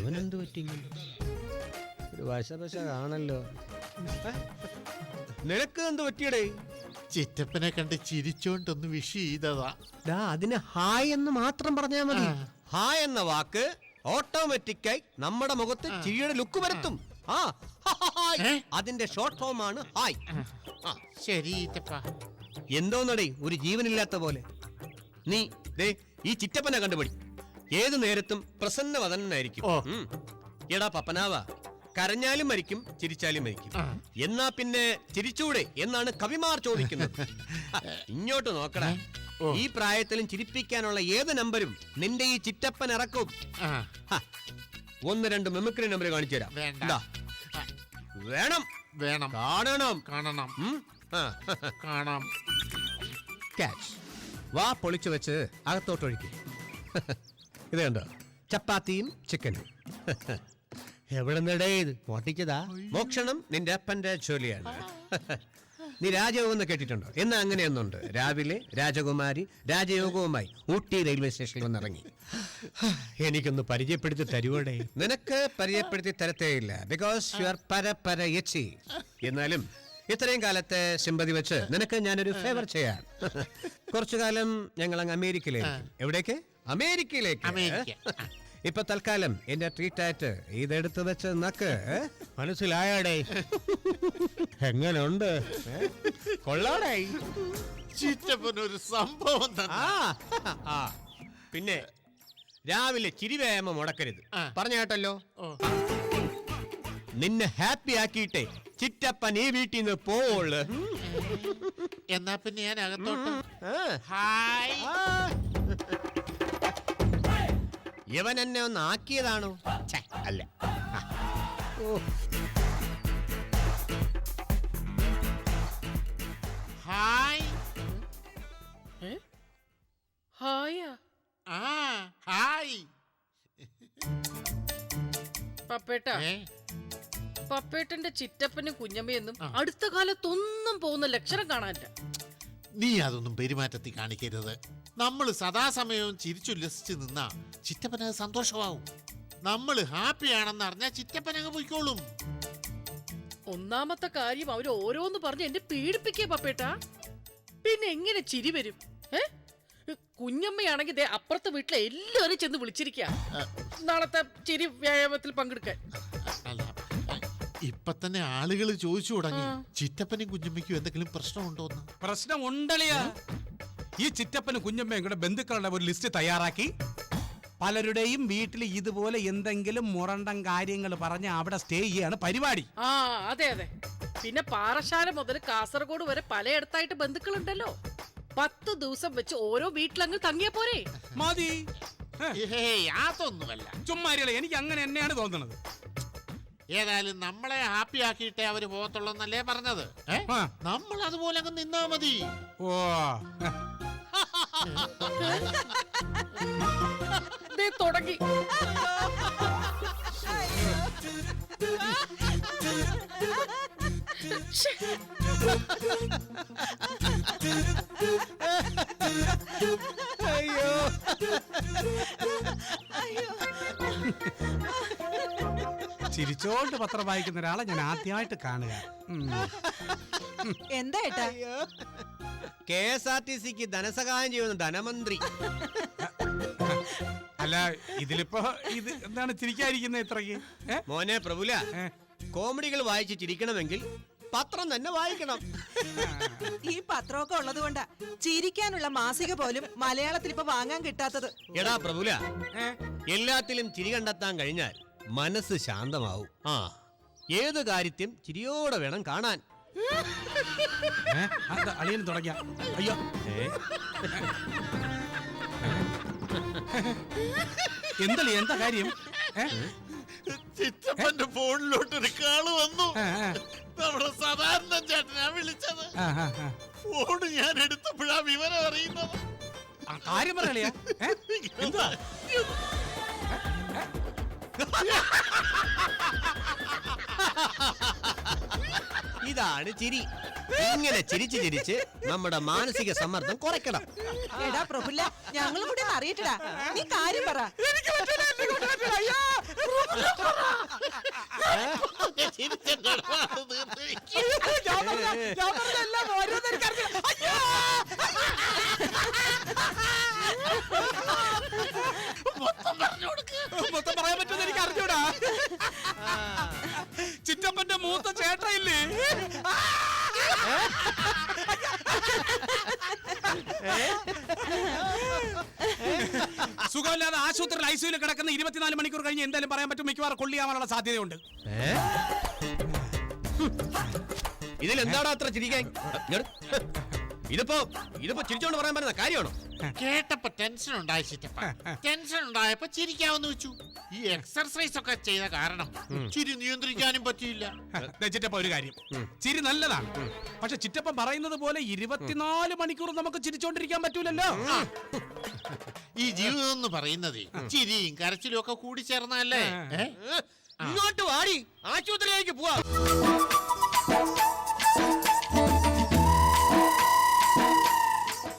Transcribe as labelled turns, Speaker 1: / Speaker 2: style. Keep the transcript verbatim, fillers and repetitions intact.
Speaker 1: അവനെന്ത് പറ്റി? ഒരു വശപശ കാണല്ലോ. നിനക്ക് എന്ത് പറ്റിയടേ?
Speaker 2: ചിറ്റപ്പനെ കണ്ട് ചിരിച്ചോണ്ടൊന്ന് വിഷ് ചെയ്തതാ.
Speaker 1: അതിന് ഹായ് എന്ന് മാത്രം പറഞ്ഞാൽ മതി. ഹായ് എന്ന വാക്ക് ഓട്ടോമാറ്റിക്കായി നമ്മുടെ മുഖത്ത് ചിരിയുടെ ലുക്ക് വരുത്തും. ആ അതിന്റെ ഷോർട്ട് ഫോം ആണ് ഹായ്.
Speaker 2: ശരി.
Speaker 1: എന്തോന്നടേ ഒരു ജീവനില്ലാത്ത പോലെ? നീ ദേ ഈ ചിറ്റപ്പനെ കണ്ടുപിടി. ഏതു നേരത്തും പ്രസന്നവദനായിരിക്കും. എടാ പപ്പനാവ, കരഞ്ഞാലും മരിക്കും, ചിരിച്ചാലും മരിക്കും. എന്നാ പിന്നെ ചിരിച്ചൂടെ എന്നാണ് കവിമാർ ചോദിക്കുന്നത്. ഇങ്ങോട്ട് നോക്കടാ, ഈ പ്രായത്തിലും ചിരിപ്പിക്കാനുള്ള ഏത് നമ്പരും നിന്റെ ഈ ചിറ്റപ്പൻ ഇറക്കും. ഒന്ന് രണ്ട് മെമിക്രി നമ്പർ കാണിച്ചു തരാം. വേണം
Speaker 2: വേണം
Speaker 1: കാണണം
Speaker 2: കാണണം കാണാം.
Speaker 1: ക്യാച്ച്. വാ പൊളിച്ചു വെച്ച് അകത്തോട്ടൊഴുക്കി. ഇത് കണ്ടോ, ചപ്പാത്തിയും ചിക്കനും. എവിടെ നിടേ ഇത് പൊട്ടിച്ചതാ? മോക്ഷണം നിന്റെ അപ്പന്റെ ജോലിയാണ്. നീ രാജയോഗം എന്ന് കേട്ടിട്ടുണ്ടോ? എന്നാ അങ്ങനെയൊന്നുണ്ട്. രാവിലെ രാജകുമാരി രാജയോഗവുമായി ഊട്ടി റെയിൽവേ സ്റ്റേഷനിൽ വന്നിറങ്ങി. എനിക്കൊന്ന് പരിചയപ്പെടുത്തി തരുവോടെ? നിനക്ക് പരിചയപ്പെടുത്തി തരത്തേയില്ല, ബിക്കോസ് യു ആർ പര പര എച്ചി. എന്നാലും ഇത്രയും കാലത്തെ സിമ്പതി വെച്ച് നിനക്ക് ഞാനൊരു ഫേവർ ചെയ്യാം. കുറച്ചു കാലം ഞങ്ങൾ അങ്ങ് അമേരിക്കയിലേക്ക്. എവിടേക്ക്? അമേരിക്കയിലേക്ക്. ഇപ്പൊ തൽക്കാലം എന്റെ ട്രീറ്റ് ആയിട്ട് ഇതെടുത്ത് വെച്ച് നക്ക്. മനസ്സിലായാടേ? എങ്ങനുണ്ട്? കൊള്ളാടേ?
Speaker 2: ചിറ്റപ്പനൊരു സംഭവം.
Speaker 1: പിന്നെ രാവിലെ ചിരിവ്യായാമം മുടക്കരുത്, പറഞ്ഞ കേട്ടല്ലോ. നിന്നെ ഹാപ്പി ആക്കിയിട്ടേ ചിറ്റപ്പൻ ഈ വീട്ടിൽ നിന്ന് പോവുള്ളു.
Speaker 2: എന്നാ പിന്നെ ഞാൻ അകത്തോട്ട്. ഹായ്.
Speaker 1: ഇവൻ എന്നെ ഒന്ന് ആക്കിയതാണോ? അല്ല.
Speaker 2: ഹായ്.
Speaker 3: ഹായാ?
Speaker 2: ആ ഹായ്.
Speaker 3: പപ്പേട്ട, പപ്പേട്ടന്റെ ചിറ്റപ്പനും കുഞ്ഞമ്മയൊന്നും അടുത്ത കാലത്തൊന്നും പോകുന്ന ലക്ഷണം കാണാനില്ല.
Speaker 2: നീ അതൊന്നും പെരുമാറ്റത്തിൽ കാണിക്കരുത്. നമ്മൾ സദാസമയവും ചിരിച്ചുല്ലസിച്ച് നിന്നാ ചിറ്റപ്പന സന്തോഷമാവും. നമ്മൾ ഹാപ്പി ആണെന്ന് അറിഞ്ഞാൽ ചിറ്റപ്പൻ അങ്ങ് പോയിക്കോളും.
Speaker 3: ഒന്നാമത്തെ കാര്യം അവര് ഓരോന്ന് പറഞ്ഞ് എന്നെ പീഡിപ്പിക്കുക പപ്പേട്ട. പിന്നെ എങ്ങനെ ചിരി വരും? ഏ കുഞ്ഞമ്മയാണെങ്കിൽ ദേ അപ്പുറത്തെ വീട്ടിലെ എല്ലാവരും ചെന്ന് വിളിച്ചിരിക്കുക നാളത്തെ ചിരി വ്യായാമത്തിൽ പങ്കെടുക്കാൻ.
Speaker 2: ഇപ്പൊ തന്നെ ആളുകൾ ചോദിച്ചു തുടങ്ങി ചിറ്റപ്പനും കുഞ്ഞമ്മയ്ക്കും എന്തെങ്കിലും പ്രശ്നമുണ്ടോന്ന്.
Speaker 4: പ്രശ്നം ഉണ്ടളിയാ. ഈ ചിറ്റപ്പനും കുഞ്ഞമ്മയും കൂടെ ബന്ധുക്കളുടെ ഒരു ലിസ്റ്റ് തയ്യാറാക്കി പലരുടെയും വീട്ടിൽ ഇതുപോലെ എന്തെങ്കിലും മുറണ്ടം കാര്യങ്ങൾ പറഞ്ഞ് അവിടെ സ്റ്റേ ചെയ്യാണ് പരിപാടി.
Speaker 3: ആ അതെ അതെ. പിന്നെ പാറശാല മുതൽ കാസർഗോഡ് വരെ പലയിടത്തായിട്ട് ബന്ധുക്കളുണ്ടല്ലോ. പത്ത് ദിവസം വെച്ച് ഓരോ വീട്ടിലങ്ങ് തങ്ങിയ പോരെ?
Speaker 4: മതി.
Speaker 2: അതൊന്നുമല്ല,
Speaker 4: ചുമ്മാരികളെ. എനിക്ക് അങ്ങനെ തന്നെയാണ് തോന്നുന്നത്.
Speaker 2: ഏതായാലും നമ്മളെ ഹാപ്പി ആക്കിയിട്ടേ അവര് പോകത്തുള്ളൂന്നല്ലേ പറഞ്ഞത്. നമ്മൾ അതുപോലെ അങ്ങ് നിന്നാ മതി.
Speaker 4: ഓ
Speaker 3: തുടങ്ങി.
Speaker 1: അയ്യോ
Speaker 4: ചിരിച്ചോണ്ട് പത്രം വായിക്കുന്ന ഒരാളെ ഞാൻ ആദ്യമായിട്ട് കാണുക.
Speaker 5: എന്താ ഏട്ടാ?
Speaker 1: കെ എസ് ആർ ടി സിക്ക് ധനസഹായം ചെയ്യുന്ന ധനമന്ത്രി.
Speaker 4: അല്ല, ഇതിലിപ്പോ ഇത് എന്താണ് ചിരിക്കാതിരിക്കുന്നത് ഇത്രയ്ക്ക്?
Speaker 1: മോനെ പ്രഭുല, കോമഡികൾ വായിച്ച് ചിരിക്കണമെങ്കിൽ പത്രം തന്നെ വായിക്കണം.
Speaker 5: ഈ പത്രമൊക്കെ ഉള്ളത് കൊണ്ടാ ചിരിക്കാനുള്ള മാസിക പോലും മലയാളത്തിൽ ഇപ്പൊ വാങ്ങാൻ കിട്ടാത്തത്.
Speaker 1: എടാ പ്രഭുല, എല്ലാത്തിലും ചിരി കണ്ടെത്താൻ കഴിഞ്ഞാൽ മനസ്സ് ശാന്തമാവും. ആ ഏത് കാര്യത്തെയും ചിരിയോടെ വേണം കാണാൻ.
Speaker 4: അളിയൻ തുടങ്ങിയ അയ്യോ എന്തല്ലേ എന്താ കാര്യം?
Speaker 2: ചിറ്റപ്പന്റെ ഫോണിലോട്ട് ഒരു കാള് വന്നു. നമ്മുടെ സാധാരണ ചേട്ടനാ വിളിച്ചത്. ഫോണ് ഞാൻ എടുത്തപ്പോഴാ വിവരം അറിയുന്നത്.
Speaker 4: കാര്യം പറയളിയാ? എന്താ
Speaker 1: ഇതാണ് ചിരി. ഇങ്ങനെ ചിരിച്ച് ചിരിച്ച് നമ്മുടെ മാനസിക സമ്മർദ്ദം കുറയ്ക്കണം.
Speaker 5: എടാ പ്രഫുല്ല, ഞങ്ങളും കൂടി അറിയിട്ടടാ. നീ കാര്യം പറ.
Speaker 2: ചിരിച്ചെന്റെ ഇടപാട് തീർന്നിരിക്കും.
Speaker 4: ഞാൻ പറഞ്ഞ- ഞാൻ പറഞ്ഞതെല്ലാം ഓരോന്ന് എനിക്കറിയാം. അയ്യോ!
Speaker 2: മൊത്തം പറഞ്ഞു കൊടുക്ക്.
Speaker 4: മൊത്തം പറയാൻ പറ്റുമെന്ന് എനിക്ക് അറിഞ്ഞൂടാ. ചിറ്റപ്പന്റെ മൂത്ത ചേട്ടയില്ലേ, സുഖമില്ലാതെ ആശുപത്രിയിൽ ഐസിയുയിൽ കിടക്കുന്ന ഇരുപത്തിനാല് മണിക്കൂർ കഴിഞ്ഞ് എന്തായാലും പറയാൻ പറ്റും, മിക്കവാറും കൊള്ളിയാവാനുള്ള സാധ്യതയുണ്ട്.
Speaker 1: ഇതിൽ എന്താണ് അത്ര ചിരിക്കാൻ? ഇങ്ങട്. ഇതിപ്പോ ഇതിപ്പോ ചിരിച്ചോണ്ട് പറയാൻ പറ്റുന്ന കാര്യമാണോ?
Speaker 2: കേട്ടപ്പോ ടെൻഷൻ ഉണ്ടായി ചിറ്റപ്പ. ടെൻഷൻ ഉണ്ടായപ്പോ ചിരിക്കാമെന്ന് വെച്ചു. ഈ എക്സർസൈസ് ഒക്കെ ചെയ്ത കാരണം ചിരി നിയന്ത്രിക്കാനും പറ്റിയില്ല.
Speaker 4: ദേ ചിറ്റപ്പ ഒരു കാര്യം, ചിരി നല്ലതാണ്, പക്ഷെ ചിറ്റപ്പൻ പറയുന്നത് പോലെ ഇരുപത്തിനാല് മണിക്കൂർ നമുക്ക് ചിരിച്ചോണ്ടിരിക്കാൻ പറ്റൂലല്ലോ.
Speaker 2: ഈ ജീവിതം എന്ന് പറയുന്നത് ചിരിയും കരച്ചിലും ഒക്കെ കൂടി ചേർന്നല്ലേ?
Speaker 1: ഇങ്ങോട്ട് വാടി, ആശുപത്രിയിലേക്ക് പോവാ.